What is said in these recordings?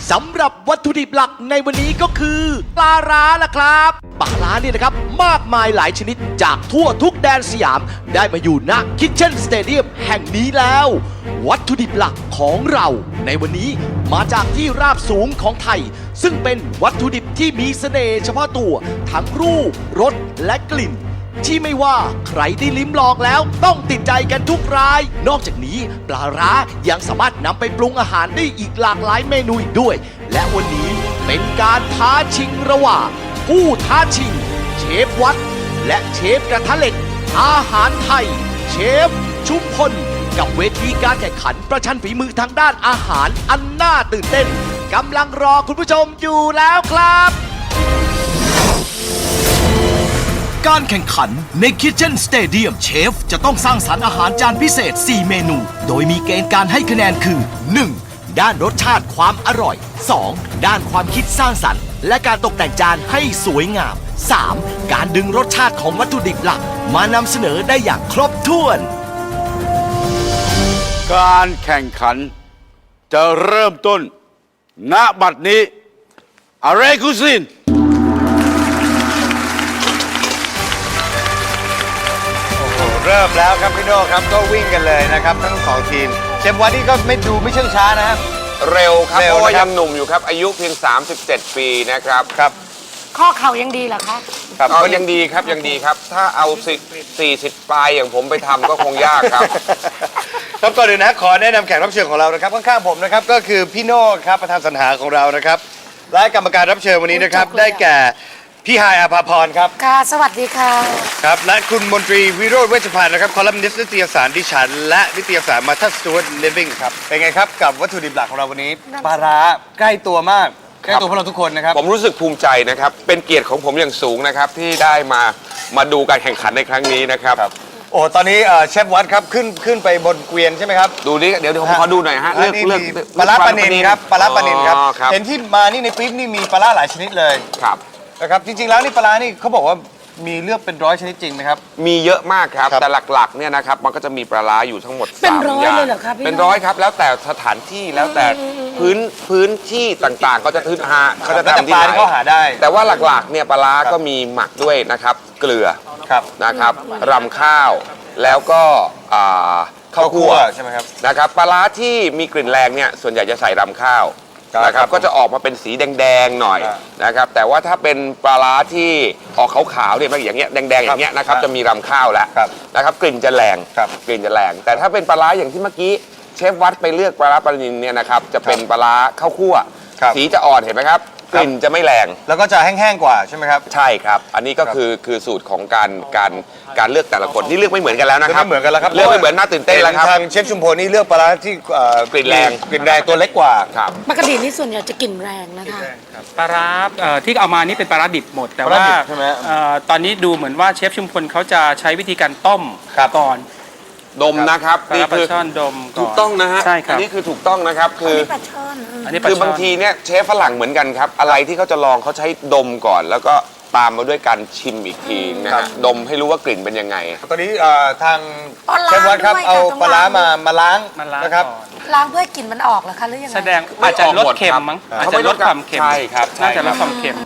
สำหรับวัตถุดิบหลักในวันนี้ก็คือปลาร้าล่ะครับปลาร้าเนี่ยนะครับมากมายหลายชนิดจากทั่วทุกแดนสยามได้มาอยู่ณคิทเช่นสเตเดียมแห่งนี้แล้ว วัตถุดิบหลักของเราในวันนี้มาจากที่ราบสูงของไทยซึ่งเป็นวัตถุดิบที่มีเสน่ห์เฉพาะตัวทั้งรูปรสและกลิ่นที่ไม่ว่าใครได้ลิ้มลองแล้วต้องติดใจกันทุกรายนอกจากนี้ปลาร้ายังสามารถนำไปปรุงอาหารได้อีกหลากหลายเมนูอีกด้วยและวันนี้เป็นการท้าชิงระหว่างผู้ท้าชิงเชฟวัดและเชฟกระทะเหล็กอาหารไทยเชฟชุมพลกับเวทีการแข่งขันประชันฝีมือทางด้านอาหารอันน่าตื่นเต้นกำลังรอคุณผู้ชมอยู่แล้วครับการแข่งขันใน Kitchen Stadium เชฟจะต้องสร้างสรรค์อาหารจานพิเศษ 4 เมนู โดยมีเกณฑ์การให้คะแนนคือ 1. ด้านรสชาติความอร่อย 2. ด้านความคิดสร้างสรรค์และการตกแต่งจานให้สวยงาม 3. การดึงรสชาติของวัตถุดิบหลักมานำเสนอได้อย่างครบถ้วนการแข่งขันจะเริ่มต้นณบัดนี้อะไรคุซินเริ่มแล้วครับพี่โน่ครับก็วิ่งกันเลยนะครับทั้งสองทีมเชฟวันนี้ก็ไม่ดูไม่เชื่องช้านะครับเร็วครับเร็วเพราะว่านะครับยังหนุ่มอยู่ครับ อายุเพียง 37 ปีนะครับครับข้อเข่ายังดีเหรอคะก็ยังดีครับยังดีครับ ถ้าเอา40 ปลายอย่างผมไปทำก็คงยากครับครับก่อนอื่นนะขอแนะนำแขกรับเชิญของเรานะครับข้างๆผมนะครับก็คือพี่โน่ครับประธานสรรหาของเรานะครับและกรรมการรับเชิญวันนี้นะครับได้แก่พี่ฮายอาภาพรครับค่ะ สวัสดีค่ะครับและคุณมนตรีวิโรจน์เวชพันธ์นะครับคอลัมนิสต์นิตยสารดิฉันและนิตยสารมาทัสตูดลิฟวิ่งครับเป็นไงครับกับวัตถุดิบหลักของเราวันนี้ปลาร้าใกล้ตัวมากใกล้ตัวพวกเราทุกคนนะครับผมรู้สึกภูมิใจนะครับ เป็นเกียรติของผมอย่างสูงนะครับ ที่ได้มาดูการแข่งขันในครั้งนี้นะครับโอ้ตอนนี้เชฟวัดครับขึ้นไปบนเกวียนใช่ไหมครับดูนี่เดี๋ยวผมขอดูหน่อยฮะอันนี้มีปลาร้าปลานิลครับปลาร้าปลานิลครับอ๋อครับเห็นที่มานี่ในปิ๊บนี่มีปลาร้าหลายชนิดเลยครับนะครับจริงๆแล้วนี่ปลาร้านี่เขาบอกว่ามีเลือกเป็น100 ชนิดจริงไหมครับมีเยอะมากครับครับแต่หลักๆเนี่ยนะครับมันก็จะมีปลาร้าอยู่ทั้งหมดเป็น 3 ร้อยอย่างเลยเหรอครับพี่เป็นร้อยครับแล้วแต่สถานที่แล้วแต่พื้นที่ต่างๆ ก็จะเขาจะแล้วแต่ทำที่ปลาไหนที่เขาหาได้แต่ว่าหลักๆเนี่ยปลาร้าก็มีหมักด้วยนะครับเกลือครับนะครับรำข้าวแล้วก็ข้าวคั่วใช่ไหมครับนะครับปลาร้าที่มีกลิ่นแรงเนี่ยส่วนใหญ่จะใส่รำข้าวครับนะครับก็จะออกมาเป็นสีแดงๆหน่อยครับนะครับแต่ว่าถ้าเป็นปลาร้าที่ออกขาวๆเนี่ยอย่างเงี้ยแดงๆอย่างเงี้ยนะครับครับจะมีรำข้าวแล้วครับนะครับกลิ่นจะแรงครับกลิ่นจะแรง แต่ถ้าเป็นปลาร้าอย่างที่เมื่อกี้เชฟวัดไปเลือกปลาร้าปลานิลเนี่ยนะครับจะเป็นปลาร้าข้าวคั่วครับสีจะอ่อนเห็นไหมครับกลิ่นจะไม่แรงแล้วก็จะแห้งๆกว่าใช่ไหมครับใช่ครับ อันนี้ก็คือสูตรของการเลือกแต่ละคนนี่เลือกไม่เหมือนกันแล้วนะครับเลือกไม่เหมือนกันแล้วครับเลือกไม่เหมือนน่าตื่นเต้นแล้วครับทางเชฟชุมพลนี่เลือกปลาร้าที่กลิ่นแรงกลิ่นแรงตัวเล็กกว่าครับปกตินี่ส่วนใหญ่จะกลิ่นแรงนะคะปลาร้าที่เอามานี่เป็นปลาร้าดิบหมด แต่ปลาร้าว่าดิบใช่ไหมตอนนี้ดูเหมือนว่าเชฟชุมพลเขาจะใช้วิธีการต้มครับก่อนดมนะครับปลานี่ร้าปลาคือช่อนดมก่อนถูกต้องนะฮะใช่ครับอันี้คือถูกต้องนะครับคือปลาช่อนอันนี้ปลาคือช่อนบางทีเนี่ยเชฟฝรั่งเหมือนกันครับ อะไรที่เขาจะลองเขาใช้ดมก่อน แล้วก็ตามมาด้วยการชิมอีกทีนะครัฮะบดมให้รู้ว่ากลิ่นเป็นยังไงตอนนี้ทางอ๋อเชฟวัดครับล้างด้วยเอาค่ะปลาร้ามาล้างมาล้างนะครับก่อนล้างเพื่อให้กลิ่นมันออกเหรอคะหรือยังไงแสดงไม่อาจจะออกลดหมดเค็มครับมั้งเขาอาจไม่จะลดลดความเค็มใช่ครับน่าจะใช่ครับลดความเค็ม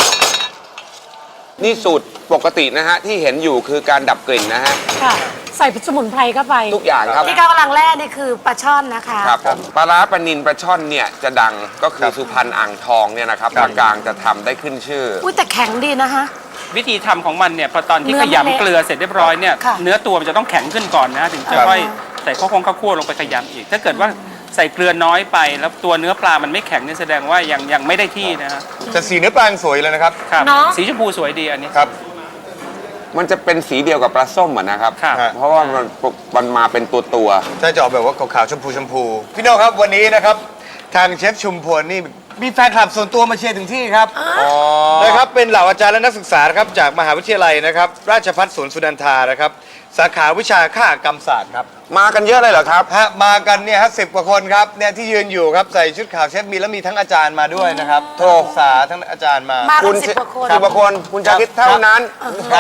นี่สูตรปกตินะฮะที่เห็นอยู่คือการดับกลิ่นนะฮะค่ะ ใส่สมุนไพรเข้าไปทุกอย่างครับที่กำลังแร่นี่คือปลาช่อนนะคะครับผมปลาร้าปลานิลปลาช่อนเนี่ยจะดังก็คือสุพรรณอ่างทองเนี่ยนะครับภาคกลางจะทำได้ขึ้นชื่ออุ้ยแต่แข็งดีนะคะวิธีทำของมันเนี่ยพอตอนที่เนื้ขอมันเละยำเกลือเสร็จเรียบร้อยเนี่ยค่ะเนื้อตัวมันจะต้องแข็งขึ้นก่อนนะถึงจะครับค่อยใส่ข้าวคั่วลงไปขยำอีก ถ้าเกิดว่าใส่เกลือน้อยไปแล้วตัวเนื้อปลามันไม่แข็งเนี่ยแสดงว่ายังไม่ได้ที่นะฮะจะสีเนื้อปลายังสวยเลยนะครับครับเนาะสีชมพูสวยดีอันนี้ครับมันจะเป็นสีเดียวกับปลาส้มอะนะครับครับเพราะว่ามันมาเป็นตัวถ้าจะออกแบบว่าขาวๆชมพูพี่โน่ครับวันนี้นะครับทางเชฟชุมพลนี่มีแฟนคลับส่วนตัวมาเชียร์ถึงที่ครับนะครับเป็นเหล่าอาจารย์และนักศึกษานะครับจากมหาวิทยาลัยนะครับราชภัฏสวนสุนันทานะครับสาขาวิชาคหกรรมศาสตร์ครับมากันเยอะเลยเหรอครับฮะมากันเนี่ยฮะ10 กว่าคนครับเนี่ยที่ยืนอยู่ครับใส่ชุดขาวเชฟมีแล้วมีทั้งอาจารย์มาด้วยนะครับทั้งนักศึกษาทั้งอาจารย์มามาคุกันณ 10 กว่าคน 10 กว่าคนคุณชาคิดเท่านั้นครับ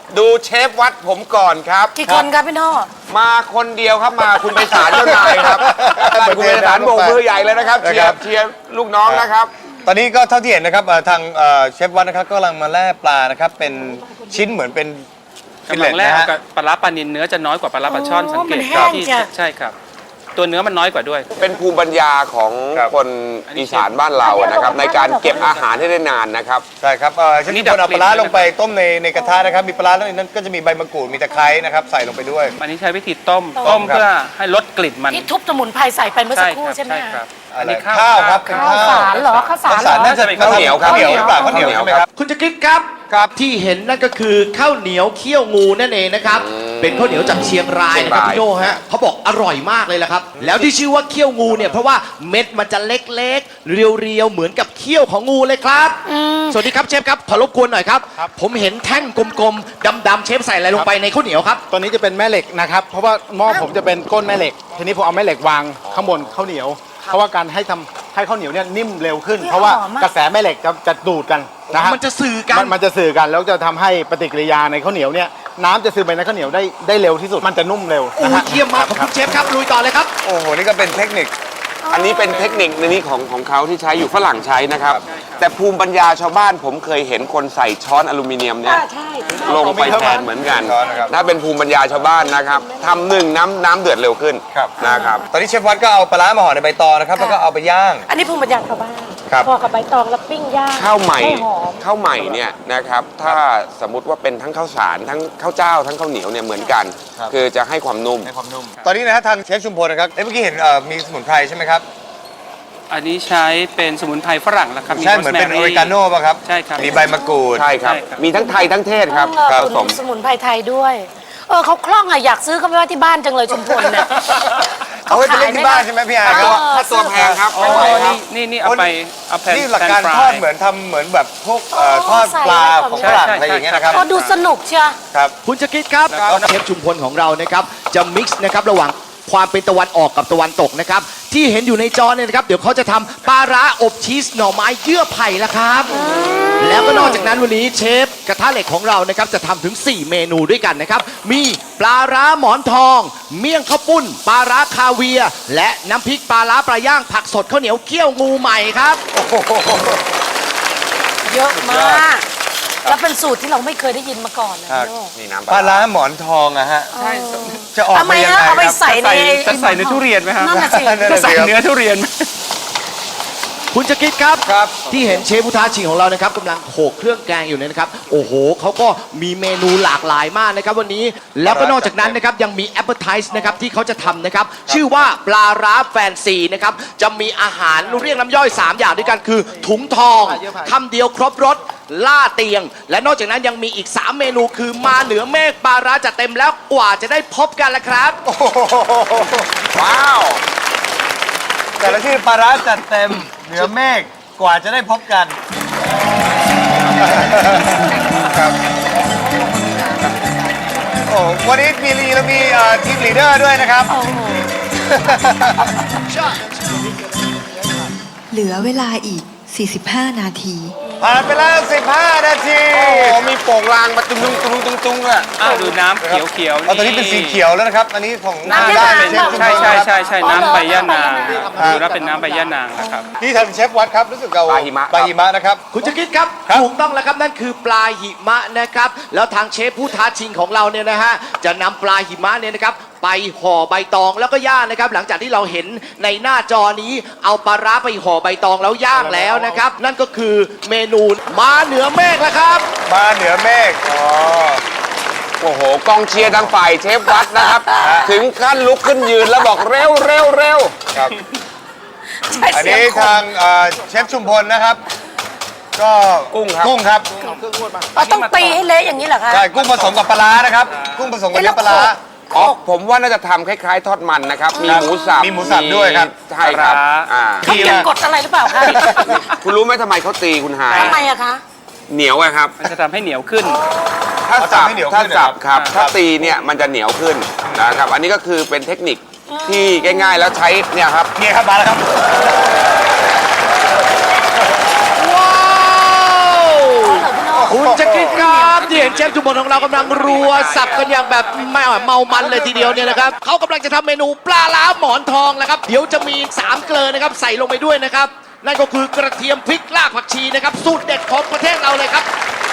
ดูเชฟวัดผมก่อนครับกี่คนครับพี่โน่มาคนเดียวครับมาคุณไปศาลเจ้านายครับคุณไปศาลโบกมือใหญ่เลยนะครับเชียร์ลูกน้องนะครับตอนนี้ก็เท่าที่เห็นนะครับทางเชฟวัดนะครับก็กำลังมาแล่ปลานะครับเป็นชิ้นเหมือนเป็นฟิลกำลัเล็ตงแรกนะฮะกับปลาร้าปลานิลเนื้อจะน้อยกว่าปลาร้าปลาช่อนสังเกตมันแห้งที่จ้ะใช่ครับ ตัวเนื้อมันน้อยกว่าด้วยเป็นภูมิปัญญาของคนอีสานบ้านเรานะครับในการเก็บอาหารให้ได้นานนะครับใช่ครับเชฟนี่ชุมพลเอาดับกลิ่นปลาร้าลงไปต้มในกระทะนะครับมีปลาร้าแล้วในนั้นก็จะมีใบมะกรูดมีตะไคร้นะครับใส่ลงไปด้วยอันนี้ใช้วิธีต้มครับเพื่อให้ลดกลิ่นมันที่ทุบสมุนไพรใส่ไปเมื่อสักครู่ใช่ไหมใช่คคะรับอะไรอันนี้ข้าวครับเป็นข้าวสารเหรอข้าวสารข้าวสารเหรอน่าจะข้าวเหนียวครับข้าวเหนียวหรือเปล่าข้าวเหนียวใช่ไหมครับคุณจะคิดครับที่เห็นนั่นก็คือข้าวเหนียวเคี่ยวงูนั่นเองนะครับเป็นข้าวเหนียวจากเชียงรายนะครับเชียงรายพี่โน่ฮะเขาบอกอร่อยมากเลยละครับแล้วที่ชื่อว่าเคี่ยวงูเนี่ยเพราะว่าเม็ดมันจะเล็กๆเรียวๆเหมือนกับเคี่ยวของงูเลยครับสวัสดีครับเชฟครับขอรบกวนหน่อยครับผมเห็นแท่งกลมๆดำๆเชฟใส่อะไรลงไปในข้าวเหนียวครับตัวนี้จะเป็นแม่เหล็กนะครับ เพราะว่าหม้อผมจะเป็นก้นแม่เหล็ก ทีนี้ผมเอาแม่เหล็กวางข้างบนข้าวเหนียว เพราะว่าการให้ข้าวเหนียวเนี่ยนิ่มเร็วขึ้น เพราะว่ากระแสแม่เหล็กจะดูดกันนะฮะมันจะสื่อกันมันจะสื่อกันแล้วจะทำให้ปฏิกิริยาในข้าวเหนียวเนี่ยน้ำจะซึมไปในข้าวเหนียวได้เร็วที่สุด มันจะนุ่มเร็วโอ้นะฮะเยี่ยมมากขอบคุณเชฟครับลุยต่อเลยครับโอ้โหนี่ก็เป็นเทคนิคอันนี้เป็นเทคนิคในนี้ของเขาที่ใช้อยู่ฝรั่งใช้นะครับ แต่ภูมิปัญญาชาวบ้านผมเคยเห็นคนใส่ช้อนอลูมิเนียมเนี่ยใช่ลงไปแทนเหมือนกันช้อนนะครับถ้าเป็นภูมิปัญญาชาวบ้านนะครับทำหนึ่งน้ำเดือดเร็วขึ้นครับนะครับตอนนี้เชฟวัดก็เอาปลาร้ามาห่อในใบตองนะครับแล้วก็เอาไปย่างอันนี้ภูมิปัญญาชาวบ้านครับพอกับใบตองแล้วปิ้งย่างข้าวใหม่ให้หอมข้าวใหม่เนี่ยนะครับถ้าสมมุติว่าเป็นทั้งข้าวสารทั้งข้าวเจ้าทั้งข้าวเหนียวเนี่ยเหมือนกันครับคือจะให้ความนุ่มในความนุ่มตอนนี้นะฮะทางเชฟชุมพลนะครับเมื่อกี้เห็นมีสมุนไพรใช่ไหมครับอันนี้ใช้เป็นสมุนไพรฝรั่งแล้วครับใช่เหมือนเป็นอโสเมแมริกาโน่ป่ะครับใช่ครับมีใบมะกรูดใช่ครับใช่ครับมีทั้งไทยทั้งเทศครับเออผสมสมุนไพรไทยด้วย เขาคล่องอะอยากซื้อเขาไปไว้ที่บ้านจังเลยชุมพลเนี่ยเอาไว้ไปเล่นที่บ้านใช่ไหมพี่อาร์ครับถ้าตัวแพงครับโอ้ไม่ไหวครับนี่เอาไปเอาแผ่นนี่หลักการแผ่นทอดฟยเหมือนทำเหมือนแบบพวกทอดใส่ปลาไว้ก่อนของฝรั่งอะไรอย่างเงี้ยนะครับก็ดูสนุกเชียวครับคุณจะคิดครับเชฟชุมพลของเรานะครับจะมิกซ์นะครับระหว่างความเป็นตะวันออกกับตะวันตกนะครับที่เห็นอยู่ในจอเนี่ยนะครับเดี๋ยวเขาจะทำปลาร้าอบชีสหน่อไม้เยื่อไผ่ละครับ แล้วก็นอกจากนั้นวันนี้เชฟกระทะเหล็กของเรานะครับจะทำถึง 4 เมนูด้วยกันนะครับมีปลาร้าหมอนทอง เมี่ยงข้าวปุ้นปลาร้าคาเวียร์และน้ำพริกปลาร้าปลาย่างผักสดข้าวเหนียวเกี๊ยวงูใหม่ครับเยอะมาก แล้วเป็นสูตรที่เราไม่เคยได้ยินมาก่อนนะพี่โน่นี่น้ำปลาร้าหมอนทองอะฮะจะออกทำไมมายังฮะไงเอาไปครับใส่ในจะใส่ในทุเรียนไหมครับนั่นน่ะสิจะใส่เนื้อทุเรียนไหมคุณจะคิดครับครับที่เห็นเชฟผู้ท้าชิงของเรานะครับกำลังโขลกเครื่องแกงอยู่เนี่ยนะครับโอ้โหเขาก็มีเมนูหลากหลายมากนะครับวันนี้แล้วก็นอกจากนั้นนะครับยังมี appetize นะครับที่เขาจะทำนะครับชื่อว่าปลาร้าแฟนซีนะครับจะมีอาหารเรียกน้ำย่อย 3 อย่างด้วยกันคือถุงทองคำเดียวครบรสล่าเตียง และนอกจากนั้นยังมีอีก 3 เมนูคือมาเหนือเมฆปลาร้าจัดเต็มแล้วกว่าจะได้พบกันละครับว้าวแต่ละที่ปลาร้าจัดเต็มเหนือเมฆกว่าจะได้พบกันครับโอ้วันนี้มีลีแล้วมีทีมลีดเดอร์ด้วยนะครับเหลือเวลาอีก 45 นาทีผ่านไปแล้ว 15 นาทีโอ้โหมีโป่งลางมาตุ้งเลยดูน้ำเขียวๆเอาตอนนี้เป็นสีเขียวแล้วนะครับ อันนี้ของน้ำด้านยะนางเชฟชุมพลใช่นะครับใช่น้ำใบย่านางดูแล้วเป็นน้ำใบย่านางนะครับนี่ทางเชฟวัดครับรู้สึกเอาปลาหิมะปลาหิมะนะครับคุณจะคิดครับถูกต้องแล้วครับนั่นคือปลาหิมะนะครับแล้วทางเชฟผู้ท้าชิงของเราเนี่ยนะฮะจะนำปลาหิมะเนี่ยนะครับไปห่อใบตองแล้วก็ย่างนะครับหลังจากที่เราเห็นในหน้าจอนี้เอาปลาร้าไปห่อใบตองแล้วย่างแล้วนะครับนั่นก็คือเมนูมาเหนือเมฆแล้วครับมาเหนือเมฆอ๋อโอ้โหกองเชียร์ทางฝ่ายเชฟวัดนะครับ ถึงขั้นลุกขึ้นยืนแล้วบอกเร็วเร็วเร็วครับใช่อันเสียงนี้คนทางเชฟชุมพลนะครับ ก็กุ้งครับกุ้งครับต้องตีให้เละอย่างนี้เหรอคะใช่กุ้งผสมกับปลาร้านะครับ กุ้งผสมกับเนื้อปลาร้าอ๋อผมว่าน่าจะทำคล้ายๆ ทอดมันนะครับ มีหมูสับมีหมูสับด้วยครับใช่ครับปลาร้าอ่าเขาเก็บกดอะไรหรือเปล่าคะคุณรู้ไหมทำไมเขาตีคุณหายทำไมอะคะเหนียวอะครับมันจะทำให้เหนียวขึ้นถ้าเอาสับทำให้เหนียวถ้าขึ้นสับเหรอครับครับถ้าตีเนี่ยมันจะเหนียวขึ้นนะครับ อันนี้ก็คือเป็นเทคนิคที่ง่ายๆ แล้วใช้เนี่ยครับเนี่ยครับมาแล้วครับว้าวคุณจะคิดครับที่เห็นห็นเชฟชุมพลของเรากำลังรัวสับกันอย่างแบบไม่เมามันเลยทีเดียวเนี่ยนะครับเขากำลังจะทำเมนูปลาล้าหมอนทองนะครับเดี๋ยวจะมี3เกลือนะครับใส่ลงไปด้วยนะครับนั่นก็คือกระเทียมพริกรากผักชีนะครับสูตรเด็ดของประเทศเราเลยครับ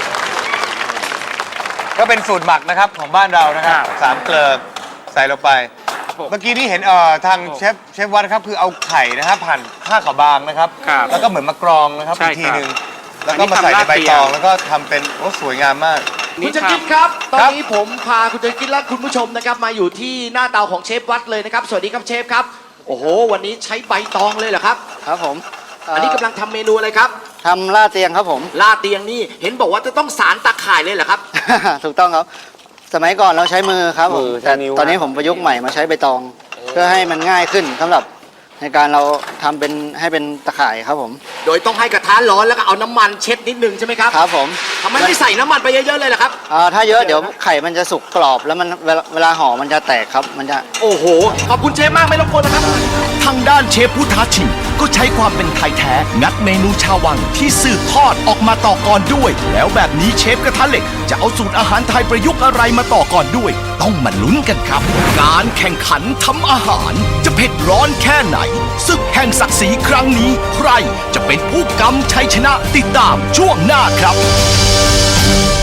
ก็เป็นสูตรหมักนะครับของบ้านเรานะครับ3เกลือใส่ลงไป เมื่อกี้นี่เห็นทางเชฟวัดครับคือเอาไข่นะครับผ่านผ้าขาวบางนะครับครับแล้วก็เหมือนมากรองนะครับใช่อีกทีครับหนึ่งแล้วก็มาใส่ในใบตองแล้วก็ทำเป็นสวยงามมากคุณจะคิดครับ ตอนนี้ผมพาคุณจะคิดและคุณผู้ชมนะครับมาอยู่ที่หน้าเตาของเชฟวัดเลยนะครับ สวัสดีครับเชฟครับ โอ้โห วันนี้ใช้ใบตองเลยเหรอครับครับผมอันนี้กำลังทำเมนูอะไรครับทำลาดเตียงครับผมลาดเตียงนี่เห็นบอกว่าจะต้องสารตะข่ายเลยเหรอครับถูกต้องครับ สมัยก่อนเราใช้มือครับผมมือใช้แต่นิ้วตอนนี้ผมประยุกต์ใหม่มาใช้ใบตอง เพื่อให้มันง่ายขึ้นสำหรับในการเราทำเป็นให้เป็นตะข่ายครับผมโดยต้องให้กระทะร้อนแล้วก็เอาน้ำมันเช็ดนิดนึงใช่ไหมครับครับผมทำไมไม่ใส่น้ำมันไปเยอะๆเลยล่ะครับถ้าเยอะเดี๋ยวไข่มันจะสุกกรอบแล้วมันเวลาห่อมันจะแตกครับมันจะโอ้โห ขอบคุณเชฟมากไม่รบกวนนะครับทางด้านเชฟผู้ท้าชิงก็ใช้ความเป็นไทยแท้ งัดเมนูชาววังที่สืบทอดออกมาต่อก่อนด้วย แล้วแบบนี้เชฟกระทะเหล็กจะเอาสูตรอาหารไทยประยุกต์อะไรมาต่อก่อนด้วย ต้องมาลุ้นกันครับ การแข่งขันทำอาหารจะเผ็ดร้อนแค่ไหนศึกแห่งศักดิ์ศรีครั้งนี้ใครจะเป็นผู้กำชัยชนะติดตามช่วงหน้าครับ